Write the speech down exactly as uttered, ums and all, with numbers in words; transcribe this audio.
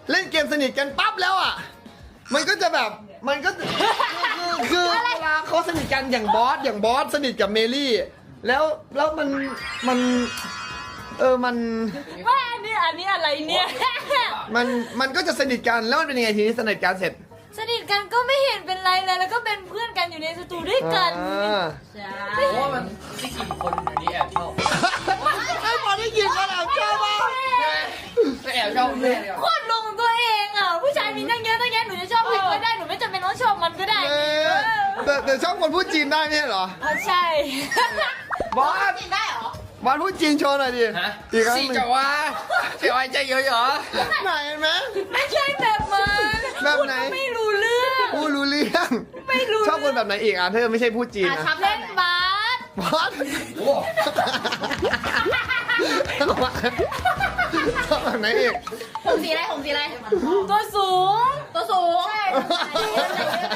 เล่นเกมสนิทกันปั๊บแล้วอ่ะมันก็จะแบบมันก็คือคือเวลาเขาสนิทกันอย่างบอสอย่างบอสสนิทกับเมลี่แล้วแล้วมันมันเออมันว่าอันนี้อันนี้อะไรเนี่ยมันมันก็จะสนิทกันแล้วมันเป็นยังไงทีนี้สนิทกันเสร็จสนิทกันก็ไม่เห็นเป็นไรเลยแล้วก็เป็นเพื่อนกันอยู่ในสตูด้วยกันอ่าใช่เพราะว่ามันที่กี่คนอันนี้แอบชอบไอ้บอลได้ยินกันแล้วชอบมากก็แอบชอบแม่เลยโคตรลงตัวเองอ่ะผู้ชายมีตั้งเยอะตั้งแยะหนูจะชอบใครก็ได้หนูไม่จำเป็นต้องชอบมันก็ได้เออแต่แต่ชอบคนพูดจีนได้ไม่ใช่เหรอเพราะใช่บอสกินได้เหรอบอลพูดจีนโชว์หน่อยดิฮะอีกครั้งสี่หนึ่งจะว่าเสียไว้ใจเยอะเหรอไหนเห็นไหมไม่ใช่แบบมันแบบไหนพูดไม่รู้เรื่องพูดรู้เรื่องไม่รู้ชอบคนแบบไหนอีกอ่ะเธอไม่ใช่พูดจีนอ่ะนะชอบเล่นบาสบอสโอ้ชอบแบบไหนอีกผมสีอะไรผมสีอะไรตัวสูงตัวสูงใช่